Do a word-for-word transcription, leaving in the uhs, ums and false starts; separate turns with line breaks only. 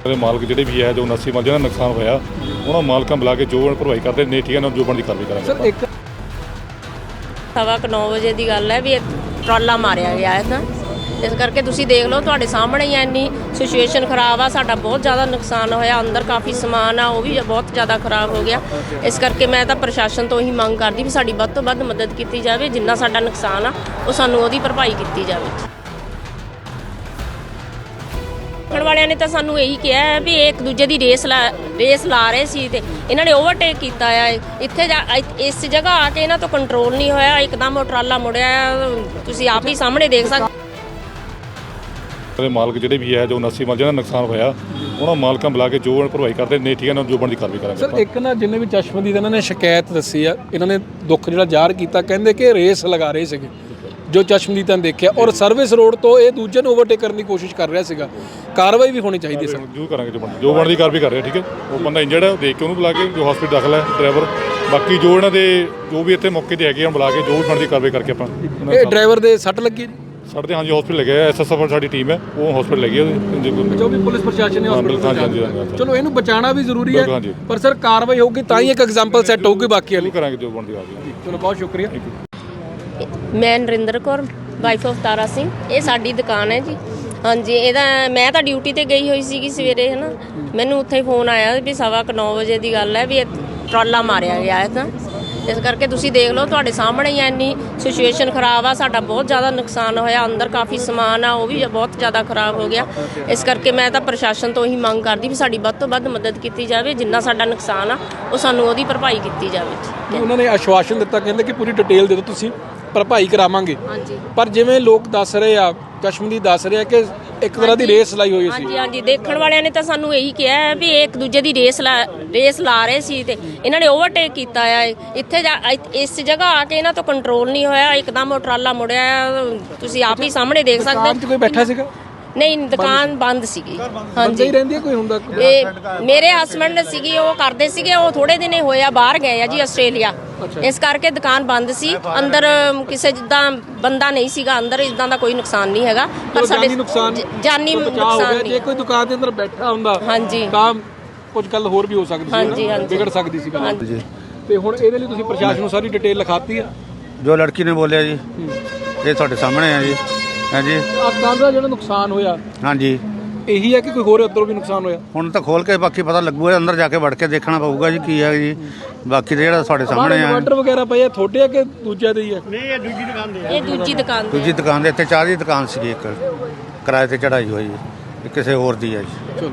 मालक ਜਿਹੜੇ ਵੀ ਹੈ ਜੋ उनासी माल ਜਿਹਨਾਂ ਦਾ ਨੁਕਸਾਨ ਹੋਇਆ ਉਹਨਾਂ ਮਾਲਕਾਂ ਬੁਲਾ ਕੇ ਜੋ ਭਰਵਾਈ ਕਰਦੇ ਨੇ ਠੀਕ ਹੈ ਨਾ ਜੋ ਬਣਦੀ ਕਾਰਵਾਈ ਕਰਾਂਗੇ।
ਸਰ ਇੱਕ
ਸਵਾ ਕੁ ਨੌ ਵਜੇ ਦੀ ਗੱਲ ਹੈ ਵੀ ਟਰਾਲਾ ਮਾਰਿਆ ਗਿਆ ਹੈ ਤਾਂ ਇਸ ਕਰਕੇ ਤੁਸੀਂ ਦੇਖ ਲਓ ਤੁਹਾਡੇ ਸਾਹਮਣੇ ਹੀ ਇੰਨੀ ਸਿਚੁਏਸ਼ਨ ਖਰਾਬ ਆ। ਸਾਡਾ ਬਹੁਤ ਜ਼ਿਆਦਾ ਨੁਕਸਾਨ ਹੋਇਆ, ਅੰਦਰ ਕਾਫੀ ਸਮਾਨ ਆ ਉਹ ਵੀ ਬਹੁਤ ਜ਼ਿਆਦਾ ਖਰਾਬ ਹੋ ਗਿਆ। ਇਸ ਕਰਕੇ ਮੈਂ ਤਾਂ ਪ੍ਰਸ਼ਾਸਨ ਤੋਂ ਹੀ ਮੰਗ ਕਰਦੀ ਵੀ ਸਾਡੀ ਵੱਧ ਤੋਂ ਵੱਧ ਮਦਦ ਕੀਤੀ ਜਾਵੇ, ਜਿੰਨਾ ਸਾਡਾ ਨੁਕਸਾਨ ਆ ਉਹ ਸਾਨੂੰ ਉਹਦੀ ਭਰਪਾਈ ਕੀਤੀ ਜਾਵੇ। ਦੇਖਣ ਵਾਲਿਆਂ ਨੇ ਤਾਂ ਸਾਨੂੰ ਇਹੀ ਕਿਹਾ ਹੈ ਵੀ ਇੱਕ ਦੂਜੇ ਦੀ ਰੇਸ ਲਾ ਰੇਸ ਲਾ ਰਹੇ ਸੀ ਤੇ ਇਹਨਾਂ ਨੇ ਓਵਰਟੇਕ ਕੀਤਾ ਆ। ਇੱਥੇ ਇਸ ਜਗ੍ਹਾ ਆ ਕੇ ਇਹਨਾਂ ਤੋਂ ਕੰਟਰੋਲ ਨਹੀਂ ਹੋਇਆ, ਇੱਕਦਮ ਉਹ ਟਰਾਲਾ ਮੁੜਿਆ, ਤੁਸੀਂ ਆਪ ਹੀ ਸਾਹਮਣੇ ਦੇਖ ਸਕਦੇ।
ਮਾਲਕ ਜਿਹੜੇ ਵੀ ਹੈ ਜੋ उनासी ਮਾਲ ਜਿਹਨਾਂ ਦਾ ਨੁਕਸਾਨ ਹੋਇਆ ਉਹਨਾਂ ਮਾਲਕਾਂ ਬੁਲਾ ਕੇ ਜੋ ਭਰਵਾਈ ਕਰਦੇ ਨੇ ਠੀਕ ਹੈ ਨਾ ਜੋ ਬਣਦੀ ਕਾਰਵਾਈ ਕਰਾਂਗੇ।
ਸਰ ਇੱਕ ਨਾ ਜਿੰਨੇ ਵੀ ਚਸ਼ਮਦੀਦ ਇਹਨਾਂ ਨੇ ਸ਼ਿਕਾਇਤ ਦੱਸੀ ਆ, ਇਹਨਾਂ ਨੇ ਦੁੱਖ ਜਿਹੜਾ ਜ਼ਾਹਰ ਕੀਤਾ, ਕਹਿੰਦੇ ਕਿ ਰੇਸ ਲਗਾ ਰਹੇ ਸੀਗੇ ਜੋ ਚਸ਼ਮਦੀਦਾਂ ਨੇ ਦੇਖਿਆ ਔਰ ਸਰਵਿਸ ਰੋਡ ਤੋਂ ਇਹ ਦੂਜੇ ਨੂੰ ਓਵਰਟੇਕ ਕਰਨ ਦੀ ਕੋਸ਼ਿਸ਼ ਕਰ ਰਿਹਾ ਸੀਗਾ। ਕਾਰਵਾਈ ਵੀ ਹੋਣੀ ਚਾਹੀਦੀ ਸਰ।
ਜੋ ਕਰਾਂਗੇ ਜੋ ਬਣਦੀ ਜੋ ਬਣਦੀ ਕਾਰਵਾਈ ਕਰ ਰਹੇ ਠੀਕ ਹੈ। ਉਹ ਬੰਦਾ ਇੰਜਰਡ ਹੈ, ਦੇਖ ਕੇ ਉਹਨੂੰ ਬੁਲਾ ਕੇ ਜੋ ਹਸਪੀਟਲ ਦਾਖਲ ਹੈ ਡਰਾਈਵਰ, ਬਾਕੀ ਜੋ ਇਹਨਾਂ ਦੇ ਜੋ ਵੀ ਇੱਥੇ ਮੌਕੇ ਤੇ ਹੈਗੇ ਆ ਬੁਲਾ ਕੇ ਜੋ ਵੀ ਬਣਦੀ ਕਾਰਵਾਈ ਕਰਕੇ ਆਪਾਂ।
ਇਹ ਡਰਾਈਵਰ ਦੇ ਸੱਟ ਲੱਗੀ
ਸਾਡੇ ਤੇ ਹਾਂਜੀ ਹਸਪੀਟਲ ਲੱਗੇ ਐਸ ਐਸ ਐਫ ਸਾਡੀ ਟੀਮ ਹੈ ਉਹ ਹਸਪੀਟਲ ਲੱਗੀ ਉਹਦੇ
ਜੋ ਵੀ ਪੁਲਿਸ ਪ੍ਰਸ਼ਾਸਨ ਨੇ ਹਸਪੀਟਲ। ਚਲੋ ਇਹਨੂੰ ਬਚਾਉਣਾ ਵੀ ਜ਼ਰੂਰੀ ਹੈ ਪਰ ਸਰ ਕਾਰਵਾਈ ਹੋਊਗੀ ਤਾਂ ਹੀ ਇੱਕ ਐਗਜ਼ਾਮਪਲ ਸੈੱਟ ਹੋਊਗੀ ਬਾਕੀ ਵਾਲੀ
ਕਰਾਂਗੇ ਜੋ ਬਣਦੀ ਕਾਰਵਾਈ।
ਚਲੋ ਬਹੁਤ ਸ਼ੁਕਰੀਆ।
ਮੈਂ ਨਰਿੰਦਰ ਕੌਰ ਵਾਈਫ ਆਫ ਤਾਰਾ ਸਿੰਘ। ਇਹ ਸਾਡੀ ਦੁਕਾਨ ਹੈ ਜੀ। ਹਾਂਜੀ ਇਹਦਾ ਮੈਂ ਤਾਂ ਡਿਊਟੀ ਤੇ ਗਈ ਹੋਈ ਸੀਗੀ ਸਵੇਰੇ ਹੈ ਨਾ, ਮੈਨੂੰ ਉੱਥੇ ਹੀ ਫੋਨ ਆਇਆ ਵੀ ਸਵਾ ਕੁ ਨੌ ਵਜੇ ਦੀ ਗੱਲ ਹੈ ਵੀ ਟਰਾਲਾ ਮਾਰਿਆ ਗਿਆ ਹੈ ਤਾਂ ਇਸ ਕਰਕੇ ਤੁਸੀਂ ਦੇਖ ਲਓ ਤੁਹਾਡੇ ਸਾਹਮਣੇ ਹੀ ਇੰਨੀ ਸਿਚੁਏਸ਼ਨ ਖਰਾਬ ਆ। ਸਾਡਾ ਬਹੁਤ ਜ਼ਿਆਦਾ ਨੁਕਸਾਨ ਹੋਇਆ, ਅੰਦਰ ਕਾਫੀ ਸਮਾਨ ਆ ਉਹ ਵੀ ਬਹੁਤ ਜ਼ਿਆਦਾ ਖਰਾਬ ਹੋ ਗਿਆ। ਇਸ ਕਰਕੇ ਮੈਂ ਤਾਂ ਪ੍ਰਸ਼ਾਸਨ ਤੋਂ ਹੀ ਮੰਗ ਕਰਦੀ ਵੀ ਸਾਡੀ ਵੱਧ ਤੋਂ ਵੱਧ ਮਦਦ ਕੀਤੀ ਜਾਵੇ, ਜਿੰਨਾ ਸਾਡਾ ਨੁਕਸਾਨ ਆ ਉਹ ਸਾਨੂੰ ਉਹਦੀ ਭਰਪਾਈ ਕੀਤੀ ਜਾਵੇ।
ਉਹਨਾਂ ਨੇ ਆਸ਼ਵਾਸਨ ਦਿੱਤਾ, ਕਹਿੰਦੇ ਕਿ ਪੂਰੀ ਡਿਟੇਲ ਦੇ ਦਿਓ ਤੁਸੀਂ, ਭਰਪਾਈ ਕਰਾਵਾਂਗੇ।
ਹਾਂਜੀ
ਪਰ ਜਿਵੇਂ ਲੋਕ ਦੱਸ ਰਹੇ ਆ, ਚਸ਼ਮਦੀਦ ਦੱਸ ਰਹੇ ਆ ਕਿ ਇੱਕ ਤਰ੍ਹਾਂ ਦੀ ਰੇਸ ਲਾਈ ਹੋਈ ਸੀ।
ਹਾਂਜੀ ਹਾਂਜੀ ਦੇਖਣ ਵਾਲਿਆਂ ਨੇ ਤਾਂ ਸਾਨੂੰ ਇਹੀ ਕਿਹਾ ਹੈ ਵੀ ਇੱਕ ਦੂਜੇ ਦੀ ਰੇਸ ਲਾ ਰੇਸ ਲਾ ਰਹੇ ਸੀ ਤੇ ਇਹਨਾਂ ਨੇ ਓਵਰਟੇਕ ਕੀਤਾ ਆ। ਇੱਥੇ ਇਸ ਜਗ੍ਹਾ ਆ ਕੇ ਇਹਨਾਂ ਤੋਂ ਕੰਟਰੋਲ ਨਹੀਂ ਹੋਇਆ, ਇੱਕਦਮ ਉਹ ਟਰਾਲਾ ਮੁੜਿਆ, ਤੁਸੀਂ ਆਪ ਹੀ ਸਾਹਮਣੇ ਦੇਖ ਸਕਦੇ ਹੋ।
ਕੋਈ ਬੈਠਾ ਸੀਗਾ?
ਨਹੀਂ ਦੁਕਾਨ ਬੰਦ ਸੀਗੀ। ਹਾਂਜੀ
ਰਹਿੰਦੀ ਹੈ ਕੋਈ ਹੁੰਦਾ?
ਇਹ ਮੇਰੇ ਹਸਬੰਡ ਸੀਗੀ, ਉਹ ਕਰਦੇ ਸੀਗੇ, ਉਹ ਥੋੜੇ ਦਿਨ ਹੋਇਆ ਬਾਹਰ ਗਏ ਆ ਜੀ ਆਸਟ੍ਰੇਲੀਆ, ਇਸ ਕਰਕੇ ਦੁਕਾਨ ਬੰਦ ਸੀ। ਅੰਦਰ ਕਿਸੇ ਜਿੱਦਾਂ ਬੰਦਾ ਨਹੀਂ ਸੀਗਾ ਅੰਦਰ, ਇਦਾਂ ਦਾ ਕੋਈ ਨੁਕਸਾਨ ਨਹੀਂ ਹੈਗਾ ਪਰ ਸਾਡੇ ਜਾਨੀ ਨੁਕਸਾਨ ਨਹੀਂ।
ਜੇ ਕੋਈ ਦੁਕਾਨ ਦੇ ਅੰਦਰ ਬੈਠਾ ਹੁੰਦਾ ਹਾਂਜੀ ਤਾਂ ਕੁਝ ਗੱਲ ਹੋਰ ਵੀ ਹੋ ਸਕਦੀ ਸੀ,
ਹਾਂਜੀ ਹਾਂਜੀ
ਵਿਗੜ ਸਕਦੀ ਸੀ ਗੱਲ। ਤੇ ਹੁਣ ਇਹਦੇ ਲਈ ਤੁਸੀਂ ਪ੍ਰਸ਼ਾਸਨ ਨੂੰ ਸਾਰੀ ਡਿਟੇਲ ਲਿਖਾਤੀ ਆ
ਜੋ ਲੜਕੀ ਨੇ ਬੋਲਿਆ ਜੀ, ਇਹ ਤੁਹਾਡੇ ਸਾਹਮਣੇ ਹੈ ਜੀ। ਹਾਂਜੀ
ਆ ਕੰਧ ਦਾ ਜਿਹੜਾ ਨੁਕਸਾਨ ਹੋਇਆ
ਹਾਂਜੀ
ਇਹੀ ਹੈ ਕਿ ਕੋਈ ਹੋਰ ਉੱਧਰੋਂ ਵੀ ਨੁਕਸਾਨ ਹੋਇਆ?
ਹੁਣ ਤਾਂ ਖੋਲ ਕੇ ਬਾਕੀ ਪਤਾ ਲੱਗੂਗਾ, ਅੰਦਰ ਜਾ ਕੇ ਵੜ ਕੇ ਦੇਖਣਾ ਪਊਗਾ ਜੀ ਕੀ ਹੈ ਜੀ। ਬਾਕੀ ਤਾਂ ਜਿਹੜਾ ਤੁਹਾਡੇ ਸਾਹਮਣੇ ਹੈ
ਇਨਵਰਟਰ ਵਗੈਰਾ ਪਏ ਆ ਤੁਹਾਡੇ ਆ ਕਿ ਦੂਜਿਆਂ ਦੇ ਹੀ ਆ?
ਨਹੀਂ ਇਹ ਦੂਜੀ ਦੁਕਾਨ ਦੇ ਇਹ ਦੂਜੀ ਦੁਕਾਨ ਦੇ
ਦੂਜੀ ਦੁਕਾਨ ਦੇ ਇੱਥੇ ਚਾਹ ਦੀ ਦੁਕਾਨ ਸੀਗੀ ਇੱਕ ਕਿਰਾਏ ਤੇ ਚੜਾਈ ਹੋਈ, ਕਿਸੇ ਹੋਰ ਦੀ ਹੈ ਜੀ।